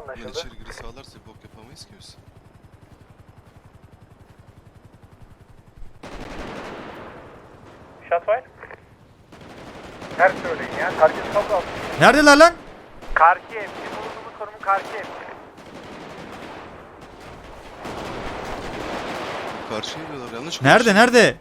Ben Anlaşıldı. içeri giri sağlarsa bir bok yapamayız ki biz. Shotfire. Her söyleyin ya. Herkes kablo alsın. Neredeler lan? Karşı ev. Bizim bulunduğumuz konumun karşı ev. Karşıya geliyorlar yanlış Nerede nerede?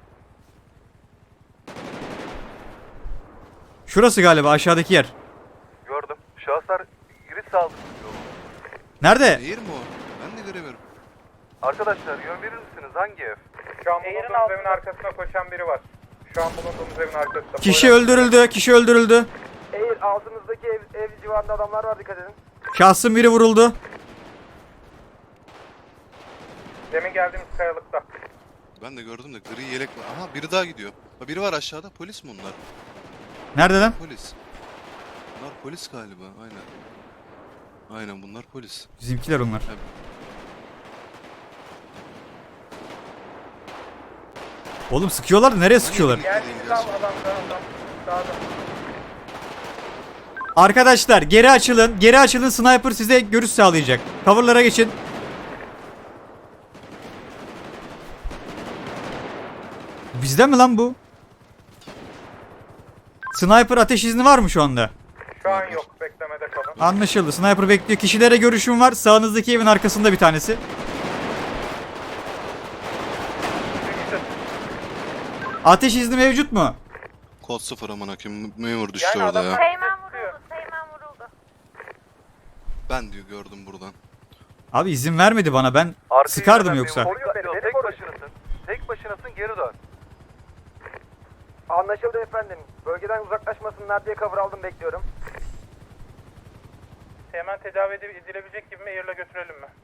Şurası galiba aşağıdaki yer. Gördüm. Şahıslar giriş sağladı. Nerede? Eğir mi o? Ben de göremiyorum. Arkadaşlar yön verir misiniz? Hangi ev? Şu an bulunduğumuz evin arkasına koşan biri var. Şu an bulunduğumuz evin arkasında. Kişi öldürüldü. Kişi öldürüldü. Eğer altınızdaki ev civarında adamlar var, dikkat edin. Şahsın biri vuruldu. Demin geldiğimiz kayalıkta. Ben de gördüm de gri yelek var. Aha biri daha gidiyor. Ha, biri var aşağıda. Polis mi onlar? Nerede lan? Polis. Bunlar polis galiba. Aynen. Aynen bunlar polis. Bizimkiler onlar. Oğlum sıkıyorlar da nereye sıkıyorlar? Geldiğimiz adam sağda. Arkadaşlar geri açılın. Geri açılın. Sniper size görüş sağlayacak. Cover'lara geçin. Bizde mi lan bu? Sniper ateş izni var mı şu anda? Şu an yok. Beklemede kalın. Anlaşıldı. Sniper bekliyor. Kişilere görüşüm var. Sağınızdaki evin arkasında bir tanesi. Ateş izni mevcut mu? Kod 0 aman hakim. Memur düştü Yani orada adam- ya. Teğmen vuruldu, Teğmen vuruldu. Ben diyor gördüm buradan. Abi izin vermedi bana. Ben sıkardım yoksa. Tek başınasın. Tek başınasın, geri dön. Anlaşıldı efendim. Bölgeden uzaklaşmasınlar diye cover aldım, bekliyorum. Hemen tedavi edilebilecek gibi mi? Air'la götürelim mi?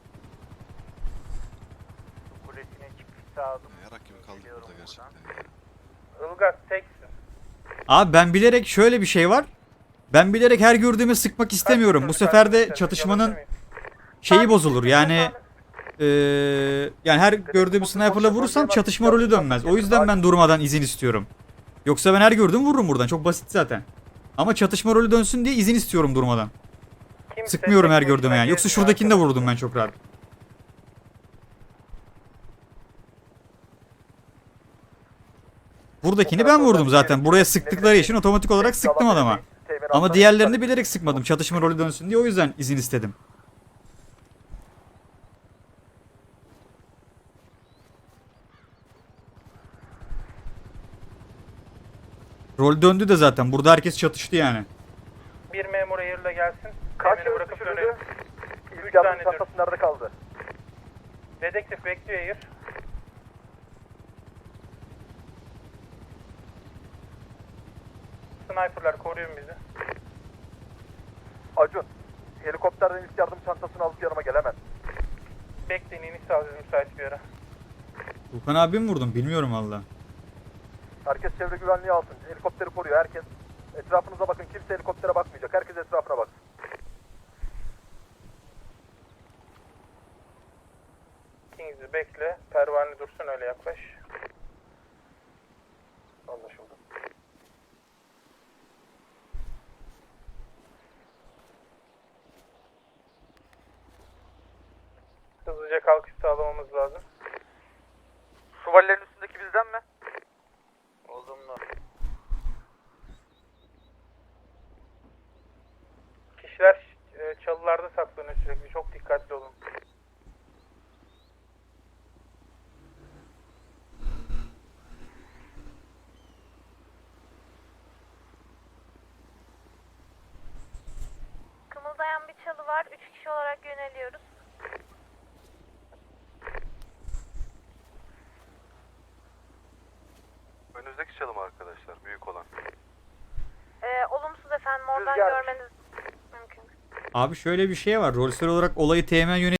Kulesine çıkış sağladım. Yarak gibi kaldık burada gerçekten ya. Ilgaz teksin. Abi ben bilerek şöyle bir şey var. Ben bilerek her gördüğümü sıkmak istemiyorum. Bu sefer de çatışmanın şeyi bozulur. Yani yani her gördüğüm sniper'la vurursam çatışma rolü dönmez. O yüzden ben durmadan izin istiyorum. Yoksa ben her gördüğümü vururum buradan. Çok basit zaten. Ama çatışma rolü dönsün diye izin istiyorum durmadan. Sıkmıyorum her gördüğüme yani. Yoksa şuradakini de vururdum ben çok rahat. Buradakini ben vurdum zaten. Buraya sıktıkları için otomatik olarak sıktım adama. Ama diğerlerini bilerek sıkmadım. Çatışma rolü dönsün diye o yüzden izin istedim. Rol döndü de zaten. Burada herkes çatıştı yani. Bir memur Air'la gelsin. Kaç Teğmeni yıl bırakıp düşürüldü? dönelim. İlk Üç yardım tane çantası nerede kaldı? Dedektif bekliyor Air. Sniper'lar koruyun bizi. Acun, helikopterden ilk yardım çantasını alıp yanıma gelemez. Bekleyin, iniş sağlayacağız müsait bir yere. Volkan abi mi vurdum? Bilmiyorum valla. Herkes çevre güvenliği alsın. Helikopteri koruyor herkes. Etrafınıza bakın. Kimse helikoptere bakmayacak. Herkes etrafına baksın. Kings'i bekle. Pervane dursun, öyle yaklaş. Anlaşıldı. Hızlıca kalkış sağlamamız lazım. Şövalyenin üstündeki bizden mi? Olumlu. Kişiler çalılarda saklanıyor sürekli. Çok dikkatli olun. Kımıldayan bir çalı var. 3 kişi olarak yöneliyoruz. Önünüzdeki çalım arkadaşlar. Büyük olan. Olumsuz efendim. Oradan Rüzgar. görmeniz mümkün. Abi şöyle bir şey var. Rolsel olarak olayı teğmen